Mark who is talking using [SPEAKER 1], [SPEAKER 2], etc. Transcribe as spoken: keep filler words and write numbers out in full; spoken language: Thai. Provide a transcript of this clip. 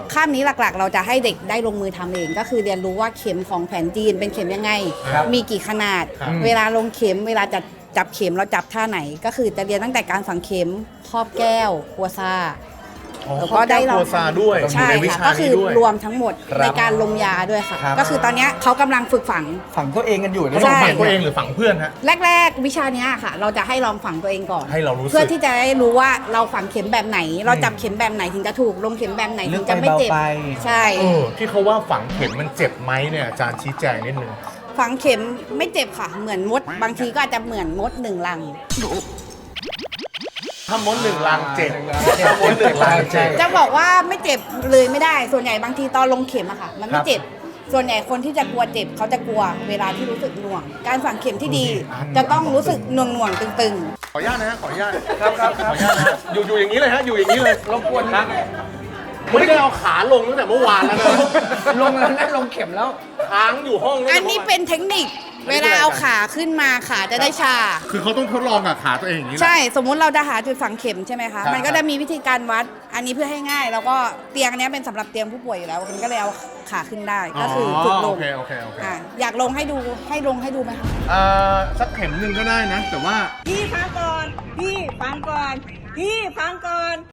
[SPEAKER 1] คาบนี้หลักๆ เราจะให้เด็กได้ลงมือทำเองก็คือเรียนรู้ว่าเข็มของแผนจีนเป็นเข็มยังไงมีกี่ขนาดเวลาลงเข็มเวลาจะจับเข็มเราจับท่าไหนก็คือจะเรียนตั้งแต่การฝังเข็มครอบแก้วกัวซา
[SPEAKER 2] แล้วก็ได้เราโคซาด้วย
[SPEAKER 1] ใช่ค่ะก็คือรวมทั้งหมดในการลงยาด้วยค่ะก็คือตอนนี้เขากำลังฝึกฝัง
[SPEAKER 3] ฝังตัวเองกันอยู่
[SPEAKER 2] ใช่ฝังตัวเองหรือฝังเพื่อนฮะ
[SPEAKER 1] แรกๆวิชานี้ค่ะเราจะให้ลองฝังตัวเองก่อน
[SPEAKER 2] ให้เรารู้
[SPEAKER 1] เพื่อที่จะได้รู้ว่าเราฝังเข็มแบบไหนเราจับเข็มแบบไหนถึงจะถูกลงเข็มแบบไหนถึงจะไม่เจ็บใช่
[SPEAKER 2] ที่เขาว่าฝังเข็มมันเจ็บไหมเนี่ยอาจารย์ชี้แจงนิดนึง
[SPEAKER 1] ฝังเข็มไม่เจ็บค่ะเหมือนมดบางทีก็อาจจะเหมือนมดหนึ่งรัง
[SPEAKER 2] ถ้ามดหนึ่งรังเจ็บถ้ามดหนึ่งรังเจ็บ
[SPEAKER 1] จะบอกว่าไม่เจ็บเลยไม่ได้ส่วนใหญ่บางทีตอนลงเข็มอะค่ะมันไม่เจ็บส่วนใหญ่คนที่จะกลัวเจ็บเขาจะกลัวเวลาที่รู้สึกหน่วงการฝังเข็มที่ดีจะต้องรู้สึกหน่วงหน่วงตึง
[SPEAKER 2] ๆขออนุญาตนะฮะขออนุญาตครับครับขออนุญาตนะอยู่อยู่อย่างนี้เลยฮะอยู่อย่างนี้เลย
[SPEAKER 3] รบกวนนะ
[SPEAKER 2] ไม่ได้เอาขาลงตั้งแต่เมื่อวานแล้วนะ
[SPEAKER 3] ลงแล้วนั่งลงเข็มแล้ว
[SPEAKER 2] ค้างอยู่ห้อง
[SPEAKER 1] อันนี้เป็นเทคนิคเวลาเอาขาขึ้นมาขาจะได้ชา
[SPEAKER 2] คือเขาต้องทดลองกับขาตัวเองอย่างนี้
[SPEAKER 1] ใช่สมมุติเราจะหาจุดฝังเข็มใช่ไหมคะมันก็จะมีวิธีการวัดอันนี้เพื่อให้ง่ายแล้วก็เตียงนี้เป็นสำหรับเตียงผู้ป่วยอยู่แล้วมันก็เลยเอาขาขึ้นได้ก็คือฝึกลง
[SPEAKER 2] โอเคโอเคโอเค
[SPEAKER 1] อยากลงให้ดูให้ลงให้ดูไหมคะ
[SPEAKER 2] อ่าสักเข็มหนึ่งก็ได้นะแต่ว่า
[SPEAKER 4] พี่ฟังก่อนพี่ฟังก่อนพี่ฟังก่อน